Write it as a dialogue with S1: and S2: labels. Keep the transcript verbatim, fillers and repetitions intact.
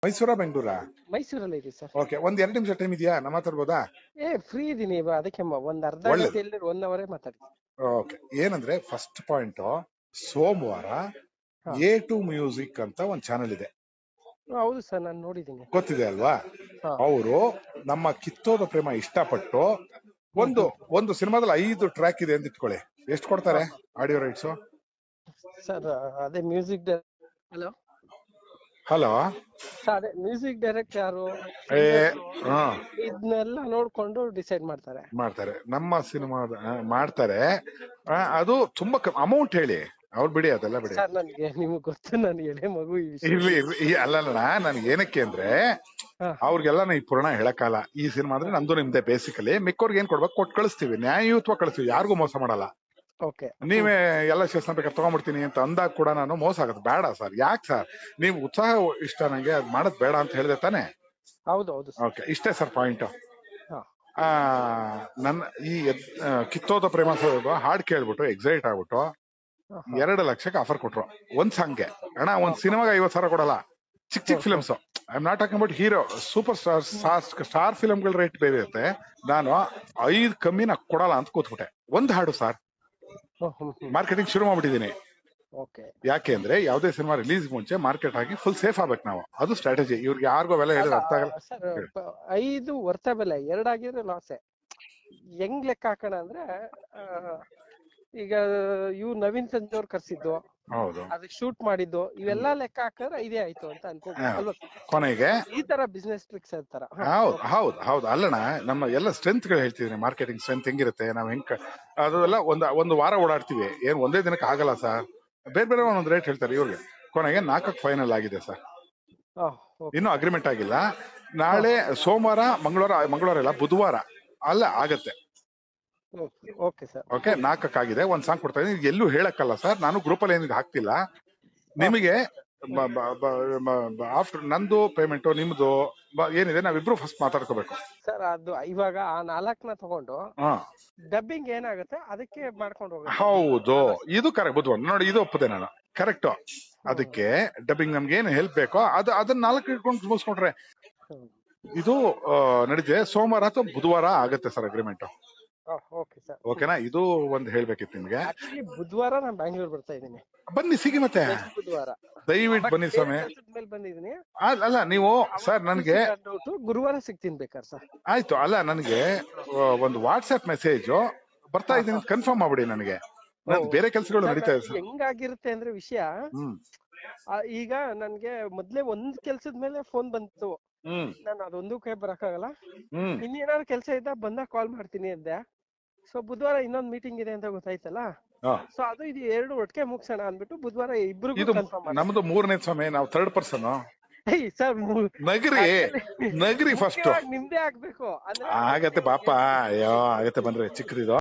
S1: ಮೈಸೂರಾ ಬೆಂಗಳೂರಾ?
S2: ಮೈಸೂರಲ್ಲಿ ಇದೀವಿ sir.
S1: Okay, ಒಂದ್ ಎರಡು ನಿಮಿಷ ಟೈಮ್ ಇದೆಯಾ? ನಮ್ಮ ಮಾತಾಡ್ಬೋದಾ?
S2: ಏ ಫ್ರೀ ಇದೀನಿ ಅದಕ್ಕೆ ಮ- ಒಂದ್ ಅರ್ಧ
S1: ಒಳ್ಳೇದು.
S2: ಗಂಟೆ ಇಲ್ಲದ್ರೆ ಒನ್ ಅವರೇ ಮಾತಾಡಿ.
S1: ಓಕೆ, ಏನಂದ್ರೆ ಫಸ್ಟ್ ಪಾಯಿಂಟ್, ಸೋಮವಾರ
S2: ಹಾ.
S1: ಎ ಟು ಮ್ಯೂಸಿಕ್ ಅಂತ ಒಂದ್ ಚಾನೆಲ್ ಇದೆ,
S2: ಹೌದು ಸರ್, ನಾನು ನೋಡಿದ್ದೀನಿ.
S1: ಗೊತ್ತಿದೆ ಅಲ್ವಾ?
S2: ಹಾ.
S1: ಅವರು ನಮ್ಮ ಕಿತ್ತೋದ ಪ್ರೇಮ ಇಷ್ಟಪಟ್ಟು
S2: ಹ್ಮ್
S1: ಒಂದು
S2: ಹ್ಮ್.
S1: ಒಂದು ಸಿನಿಮಾದಲ್ಲಿ ಐದು ಟ್ರ್ಯಾಕ್ ಇದೆ ಅಂತ ಇಟ್ಕೊಳ್ಳಿ, ಎಷ್ಟು ಕೊಡ್ತಾರೆ
S2: ಹಾ.
S1: Audio rights?
S2: ಸರ್ ಅದೇ ಮ್ಯೂಸಿಕ್ ಹಲೋ
S1: ಹಲೋ,
S2: ಸರ್ ಅದೇ ಮ್ಯೂಸಿಕ್ ಡೈರೆಕ್ಟ್ ಯಾರು,
S1: ಏ
S2: ಸಿಂಗರ್ಸು,
S1: ಹಾ
S2: ಇದನ್ನೆಲ್ಲ ನೋಡ್ಕೊಂಡು ಡಿಸೈಡ್ ಮಾಡ್ತಾರೆ.
S1: ಮಾಡ್ತಾರೆ, ನಮ್ಮ ಸಿನಿಮಾ ಮಾಡ್ತಾರೆ. ಆ, ಅದು ತುಂಬಾ ಅಮೌಂಟ್ ಹೇಳಿ, ಅವ್ರು ಬಿಡಿ, ಅದೆಲ್ಲ ಬಿಡಿ.
S2: ಸರ್ ನನ್ಗೆ ನಿಮ್ಗೆ ಗೊತ್ತು, ನನ್ ಎಳೆ ಮಗು ಈ ವಿಷಯ.
S1: ಇರ್ಲಿ ಇರ್ಲಿ, ಈ ಅಲ್ಲಲ್ಲ, ನನ್ಗೆ ಏನಕ್ಕೆ ಅಂದ್ರೆ
S2: ಹಾ.
S1: ಅವ್ರಿಗೆಲ್ಲ ಈ ಪುರಾಣ ಹೇಳಕ್ಕಾಗಲ್ಲ. ಈ ಸಿನಿಮಾ ಅಂದ್ರೆ ನಂದು ನಿಮ್ದೆ ಬೇಸಿಕಲಿ, ಮಿಕ್ಕವ್ರಿಗೆ ಏನ್ ಕೊಡ್ಬೇಕು ಕೊಟ್ಟು ಕಳಿಸ್ತೀವಿ, ನ್ಯಾಯಯುತವಾಗಿ ಕಳಿಸ್ತೀವಿ, ಯಾರಿಗೂ ಮೋಸ ಮಾಡಲ್ಲ.
S2: ಓಕೆ.
S1: ನೀವೇ ಎಲ್ಲ ಶೇಷನ್ ಬೇಕಾದ್ರೆ ತಗೊಂಡ್ಬಿಡ್ತೀನಿ ಅಂತ ಅಂದಾಗ ಕೂಡ ನಾನು ಮೋಸ ಆಗುತ್ತೆ, ಬೇಡ ಸರ್. ಯಾಕೆ ಸರ್, ನೀವು ಉತ್ಸಾಹ ಇಷ್ಟ ನಂಗೆ, ಅದ್ ಮಾಡೋದ್ ಬೇಡ ಅಂತ ಹೇಳಿದೆ ತಾನೆ?
S2: ಹೌದು ಹೌದು ಸರ್.
S1: ಓಕೆ, ಇಷ್ಟೇ ಸರ್ ಪಾಯಿಂಟ್.
S2: ಹಾ.
S1: ಆ ನನ್ನ ಈ ಎದ್- ಆ, ಕಿತ್ತೋದ ಪ್ರೇಮ ಹಾಡ್ ಕೇಳ್ಬಿಟ್ಟು ಎಕ್ಸೈಟ್ ಆಗ್ಬಿಟ್ಟು
S2: ಹಾ, ಹಾ.
S1: ಎರಡು ಲಕ್ಷಕ್ಕೆ ಆಫರ್ ಕೊಟ್ರು ಒಂದ್ ಸಾಂಗ್ಗೆ. ಅಣ್ಣ, ಒಂದ್ ಸಿನಿಮಾಗೆ ಐವತ್ ಸಾವಿರ ಕೊಡಲ್ಲ, ಚಿಕ್ಕ ಚಿಕ್ಕ films. I am not talking about hero, super star star ಫಿಲ್ಮ್ಗಳ ರೇಟ್ ಬೇರೆ ಇರುತ್ತೆ. ನಾನು ಐದ್ ಕಮ್ಮಿ ನಾ ಕೊಡಲ್ಲ ಅಂತ ಕೂತ್ಬಿಟ್ಟೆ. ಒಂದ್ ಹಾಡು ಸರ್,
S2: ಹ್ಮ್ ಹ್ಮ್ ಹ್ಮ್.
S1: ಮಾರ್ಕೆಟಿಂಗ್ ಶುರು ಮಾಡ್ಬಿಟ್ಟಿದೀನಿ.
S2: ಓಕೆ.
S1: ಯಾಕೆ ಅಂದ್ರೆ ಯಾವುದೇ ಸಿನಿಮಾ ರಿಲೀಸ್ ಮುಂಚೆ ಮಾರ್ಕೆಟ್ ಆಗಿ ಫುಲ್ ಸೇಫ್ ಆಗ್ಬೇಕು ನಾವು, ಅದು ಸ್ಟ್ರಾಟಜಿ. ಇವ್ರಿಗೆ ಯಾರಿಗೋ ಬೆಲೆ ಹೇಳಿದ್ರೆ ಅರ್ಥ ಆಗಲ್ಲ.
S2: ಸರ್ ಐದು ವರ್ತ ಬೆಲೆ ಎರಡಾಗಿದ್ರೆ ಲಾಸೆ. ಹೆಂಗ್ ಲೆಕ್ಕ ಹಾಕೋಣ ಅಂದ್ರೆ, ಆ, ಈಗ ಇವ್ ನವೀನ್ ಸಂಜೆ ಅವ್ರು ಕರ್ಸಿದ್ದು,
S1: ಹೌದು,
S2: ಅದಕ್ಕೆ ಶೂಟ್ ಮಾಡಿದ್ದು, ಇವೆಲ್ಲ ಲೆಕ್ಕ ಹಾಕಿದ್ರೆ ಇದೇ ಆಯ್ತು ಅಂತ ಅನ್ಕೋಬಹುದು ಅಲ್ವಾ?
S1: ಕೊನೆಗೆ
S2: ಈ ತರ ಬಿಸ್ನೆಸ್ ಟ್ರಿಕ್ಸ್ ಇರ್ತಾರ.
S1: ಹೌದು ಹೌದು ಹೌದು ಅಲ್ಲಣ್ಣ, ನಮ್ಮ ಎಲ್ಲ ಸ್ಟ್ರೆಂತ್ ಗಳು ಹೇಳ್ತಿದೀನಿ. ಮಾರ್ಕೆಟಿಂಗ್ ಸ್ಟ್ರೆಂತ್ ಹೆಂಗಿರುತ್ತೆ, ನಾವ್ ಹೆಂಗ್ ಅದೆಲ್ಲ ಒಂದ್ ಒಂದು ವಾರ ಓಡಾಡ್ತೀವಿ, ಏನ್ ಒಂದೇ ದಿನಕ್ಕೆ ಆಗಲ್ಲ ಸರ್. ಬೇರೆ ಬೇರೆ ಒಂದೊಂದು ರೇಟ್ ಹೇಳ್ತಾರೆ ಇವ್ರಿಗೆ. ಕೊನೆಗೆ ನಾಲ್ಕಕ್ಕೆ ಫೈನಲ್ ಆಗಿದೆ ಸರ್, ಇನ್ನೂ ಅಗ್ರಿಮೆಂಟ್ ಆಗಿಲ್ಲ. ನಾಳೆ ಸೋಮವಾರ, ಮಂಗಳವಾರ, ಮಂಗಳವಾರ ಇಲ್ಲ ಬುಧವಾರ ಅಲ್ಲ ಆಗತ್ತೆ.
S2: Okay sir.
S1: ಓಕೆ, ನಾಲ್ಕಕ್ಕಾಗಿದೆ. ಒಂದ್ ಸಾಂಗ್ ಕೊಡ್ತಾ ಇದೀನಿ, ಎಲ್ಲೂ ಹೇಳಕ್ಕಲ್ಲ ಸರ್, ನಾನು ಗ್ರೂಪ್ ಅಲ್ಲಿ ಏನಿದೆ ಹಾಕ್ತಿಲ್ಲ ನಿಮಗೆ. ಆಫ್ಟರ್ ನಂದು ಪೇಮೆಂಟ್ ನಿಮ್ದು ಬ- ಏನಿದೆ ನಾವಿಬ್ರು ಫಸ್ಟ್ ಮಾತಾಡ್ಕೋಬೇಕು
S2: ಸರ್. ಅದು ಇವಾಗ ಆ ನಾಲ್ಕನ ತಗೊಂಡು
S1: ಹಾ.
S2: ಡಬ್ಬಿಂಗ್ ಏನಾಗುತ್ತೆ ಅದಕ್ಕೆ ಮಾಡ್ಕೊಂಡು ಹೋಗುತ್ತೆ.
S1: ಹೌದು, ಇದು ಕರೆಕ್ಟ್. ಬುದ್ಧವಾರ ನೋಡಿ, ಇದು ಒಪ್ಪದೆ ನಾನು, ಕರೆಕ್ಟ್. ಅದಕ್ಕೆ ಡಬ್ಬಿಂಗ್ ನಮ್ಗೆ ಏನು ಹೆಲ್ಪ್ ಬೇಕೋ ಅದು ಅದನ್ನ ನಾಲ್ಕು ಇಟ್ಕೊಂಡು ಮುಗಿಸ್ಕೊಂಡ್ರೆ ಇದು ಆ, ನಡೀತಿದೆ. ಸೋಮವಾರ ಅಥವಾ ಬುಧವಾರ ಆಗತ್ತೆ ಸರ್ ಅಗ್ರಿಮೆಂಟ್.
S2: Okay sir.
S1: ಓಕೆನಾ? ಇದು ಒಂದ್ ಹೇಳ್ಬೇಕಿತ್ತು ನಿಮ್ಗೆ.
S2: ಆಕ್ಚುಲಿ ಬುಧವಾರ ನಾನು ಬ್ಯಾಂಗ್ಳೂರ್ ಬರ್ತಾ ಇದ್ದೀನಿ.
S1: ಬನ್ನಿ, ಸಿಗಿ ಮತ್ತೆ
S2: ಬುಧವಾರ
S1: ದಯವಿಟ್ಟು ಬನ್ನಿ ಸ್ವಾಮಿ.
S2: ಮೇಲೆ ಬಂದಿದ್ದೀನಿ.
S1: ಅಲ್ಲ ಅಲ್ಲ, ನೀವು ಸರ್ ನನ್ಗೆ
S2: ಗುರುವಾರ ಸಿಗ್ತೀನಿ ಬೇಕಾರ್ ಸರ್.
S1: ಆಯ್ತು. ಅಲ್ಲ, ನನಗೆ ಒಂದು ವಾಟ್ಸ್ಆಪ್ ಮೆಸೇಜ್ ಬರ್ತಾ ಇದೀನಿ ಕನ್ಫರ್ಮ್ ಮಾಡ್ಬಿಡಿ ನನಗೆ. ನನ್ ಬೇರೆ ಕೆಲಸಗಳು ನಡೀತಾ ಇದೆ ಸರ್.
S2: ಹೆಂಗಾಗಿರುತ್ತೆ ಅಂದ್ರೆ ವಿಷಯ,
S1: ಹ್ಮ್
S2: ಆ, ಈಗ ನನ್ಗೆ ಮೊದ್ಲೇ ಒಂದ್ ಕೆಲ್ಸದ ಮೇಲೆ ಫೋನ್ ಬಂತು,
S1: ಹ್ಮ್
S2: ನಾನು ಅದೊಂದಕ್ಕೆ ಬರಕ್ಕಾಗಲ್ಲ,
S1: ಹ್ಮ್
S2: ಇನ್ನೇನಾದ್ರು ಕೆಲಸ ಇದ್ದ ಬಂದಾಗ ಕಾಲ್ ಮಾಡ್ತೀನಿ ಅಂದೆ. ಸೊ ಬುಧವಾರ ಇನ್ನೊಂದ್ ಮೀಟಿಂಗ್ ಇದೆ ಅಂತ ಗೊತ್ತಾಯ್ತಲ್ಲ,
S1: ಹಾ.
S2: ಸೊ ಅದು ಇದು ಎರಡು ಒಟ್ಟಿಗೆ ಮುಗ್ಸೋಣ ಅನ್ಬಿಟ್ಟು ಬುಧವಾರ ಇಬ್ರಿಗೂ
S1: ಇದು
S2: ಕನ್ಫರ್ಮ್ ಮಾಡಿ.
S1: ನಮ್ದು ಮೂರನೇ ಸಮಯ, ನಾವು ಥರ್ಡ್ ಪರ್ಸನ್.
S2: ಸರ್
S1: ನಗರಿ ನಗರಿ ಫಸ್ಟ್
S2: ನಿಮ್ದೇ ಆಗ್ಬೇಕು ಅಂದ್ರೆ
S1: ಆಗತ್ತೆ ಪಾಪ. ಅಯ್ಯೋ ಆಗತ್ತೆ, ಬಂದ್ರೆ ಚಿಕ್ಕದಿದು.